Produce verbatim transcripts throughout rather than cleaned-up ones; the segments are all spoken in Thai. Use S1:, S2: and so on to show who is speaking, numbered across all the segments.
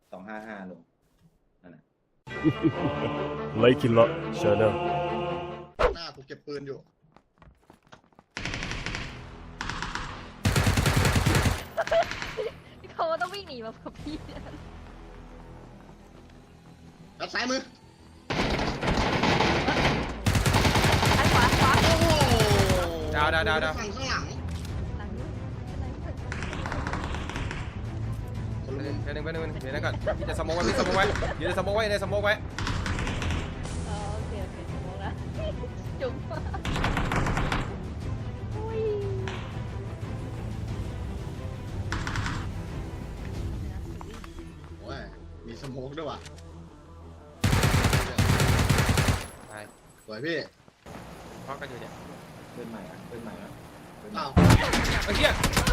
S1: สองห้าห้าลงนั่นน่ะ
S2: ไลคินละชาแนล
S3: หน้ากูเก็บปืนอยู่
S4: เขาต้องวิ่งหนีมากับพี่
S3: รับซ้ายมือ
S4: ซ้ายขวาขวา
S3: โอ้โห
S5: ดาวดาวดาวดาว
S3: ฝั่งข้างหลัง
S4: หลังนู้นเป็นไรไม่เป็น
S3: คนละมุม
S5: เดี๋ยวนึงเดี๋ยวนึงเดี๋ยวนึงก่อนพี่จะสโมกไว้พี่สโมกไว้ยืนสโมกไว้ในสโมกไว้
S4: อ๋อโอเคโอเคมองละจุ๊บอุ้ย
S3: โอ้ยมีสโมกด้วยว่ะ
S5: ไป
S3: สวยพี่
S5: พักกันอยู่เนี่ย
S1: เพื่อนใหม่อ่ะเพื่อนใหม่อ่ะเพื่อนใหม่
S3: อ้าว
S5: ไอ้เหี้ย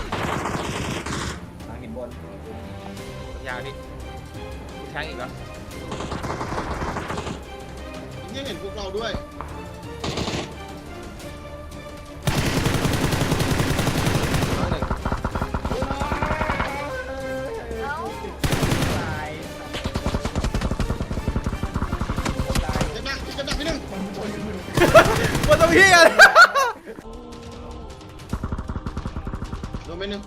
S1: ทางหินบน
S5: ยาพี่กูแทงอีกเหรอ
S3: นี่เห็นพวกเราด้วย
S5: น้องหนึ่ง
S4: เอ้า
S1: ตาย
S3: เจ็บหนักเจ็บหนักพี่หนึ่ง
S5: มันต้องเหี้ย
S3: โดนไปหนึ่ง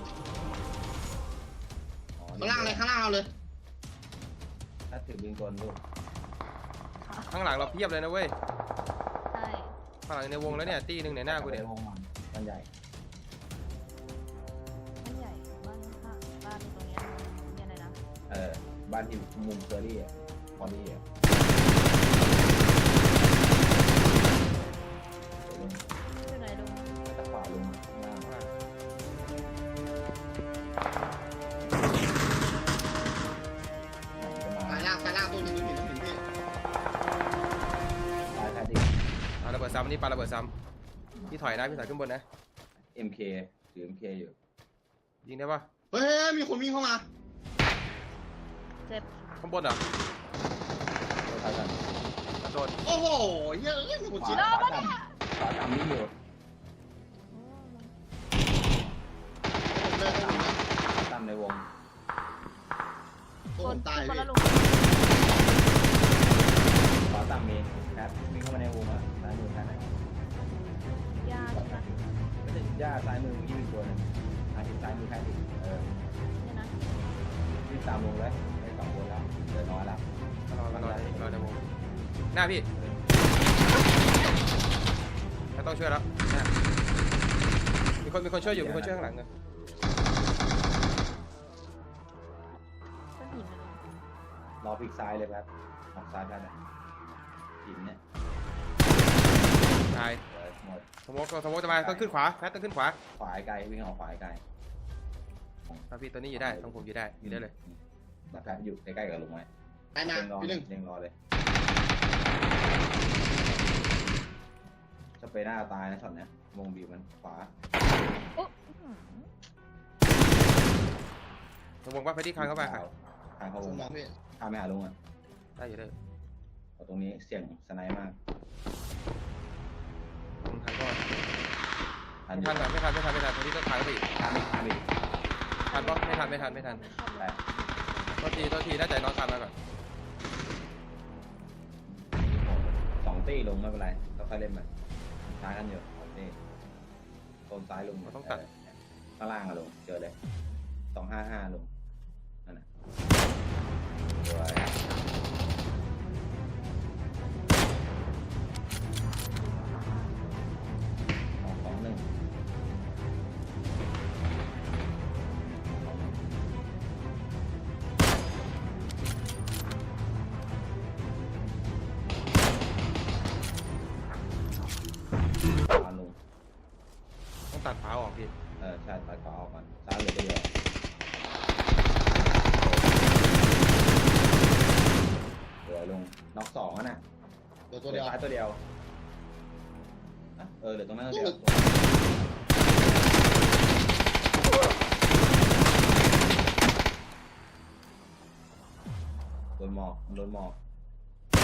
S1: อ๋อ
S3: ข้างล่างเลยข้างล่างเราเลย
S1: ถ้าถือบิงกลลูก
S5: ข้างหลังเราเพียบเลยนะเว้ย
S4: ใช่
S5: ข้างหลังในวงแล้วเนี่ยตีหนึ่งในหน้ากูเนี่ย
S1: วงมันมันใหญ่
S4: ไม่ใหญ่บ้านข้างบ้านตรงเนี้ยเนี่ยอะไรนะ
S1: เออบ้านที่มุมเคอรี่อ่ะพอลี่อ่ะลง
S4: อยู่ไหนลุง
S1: ตะขวาลงหน้า
S5: ข้างหลัง
S1: จะมา
S3: สายล่างสายล่างตัวหนึงตัวหนึ่งตัวหนึ่งพี่
S1: ตายแท้ดิ
S5: ปาระเบิดซ้ำนี่ปาระเบิดซ้ำพี่ถอยนะพี่ถอยขึ้นบนนะ
S1: เอ็มเคถือเอ็มเคอยู่
S5: ยิงได้ปะ
S3: เฮ้ยมีคนวิ่งเข้ามา
S4: เจ็บ
S5: ข้างบนเหรอ
S1: ตัวท้ายกัน
S5: กระโดด
S3: โอ้โหเฮ้ยมีคน
S1: ขวา
S3: ชิด
S1: ขวาต่ำขวาต่ำนี่อยู่
S3: ผมเลยผมเลย
S1: ต่ำในวง
S3: โอ้
S4: ค
S3: ผ
S4: น
S3: มตาย
S4: คน
S3: พี่
S4: ละลุง
S1: ขวาต่ำมีแคทวิ่งเข้ามาในวงอ่ะซ้ายมือแคทไหน
S4: ยาใช่ไหม
S1: ไม่ถึงย่าซ้ายมือยี่สิบตัวนึงอ่ะที่ซ้ายมือแคทอีกเออ
S4: เนี่ยนะ
S1: วิ่งตามวงเลยได้สองคนแล้วเดินน้อยแล้ว
S5: มารอมารอรอในวงหน้าพี่ไม่ต้องช่วยแล้วหน้ามีคนมีคนช่วยอยู่มีคนช่วยข้างหลังเลย
S4: ต้นหินนะลุง
S1: รอพลิกซ้ายเลยครับออกซ้ายแคทอ่ะหินเนี่ย
S5: ตาย
S1: เออหมด
S5: สโมกสโมกจะมาต้องขึ้นขวาแพทต้องขึ้นขวา
S1: ขวาไกลวิ่งออกขวาไกล
S5: ครับพี่ตัวนี้อยู่ได้ต้องผมอยู่ได้อยู่ได้เลย
S1: แล้วแคทอยู่ใกล้ๆกับลุงไว้
S3: ตายมา
S1: เล็งรอ
S3: พี่หนึ่ง
S1: เล็งรอเลยจะไปหน้าตายนะช็อตเนี้ยวงบีบมันขวา
S4: โอ้อื้อหือ
S5: ผมบอกว่าไปที่คางเข้าไปค่ะ
S1: ทางเขา
S3: ผ
S1: ว
S3: ม
S1: ง
S3: มองพี่
S1: ข้ามไม่หาลุงอ่ะ
S5: ได้อยู่ได้
S1: เอาตรงนี้เสี่ยงสไนมาก
S5: ผมทันก็
S1: ทัน
S5: ไม่ทันไม่ทันไม่ทันไม่ทันตรงนี้ต้องทางไปอีก
S1: ข้ามไม่ข้ามไม่
S5: ทันปะไม่ทันไม่ทันไม่ทัน
S1: แต่
S5: ตัวทีตัวทีน่าจะน้องทันมาก่อน
S1: สองตีลงไม่เป็นไรเราค่อยเล่นมันช้ากันอยู่สองตีโซนซ้ายลงข้างล่างอะลงเจอเลยสองห้าห้าลงนั่นแหละสวยสองสองหนึ่งขวาลง
S5: ต้องตัดขาออกพี่
S1: เออใช่ตัดขวาออกก่อนซ้ายเหลือตัวเดียวเหลือลงน็อกสองอ่ะน่ะ
S3: ตัว
S1: เห
S3: ตัว
S1: ลื
S3: เดี
S1: อ
S3: ยว
S1: ซ้ายตัวเดียวอ่ะเออเหลือตรงนั้นตัวเดียวโดนหมอกโดนหมอก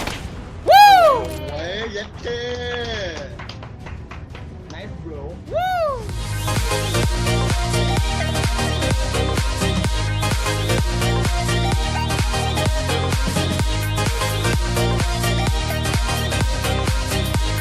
S3: โอ้ยเย็ดเค
S1: nice bro
S5: วู้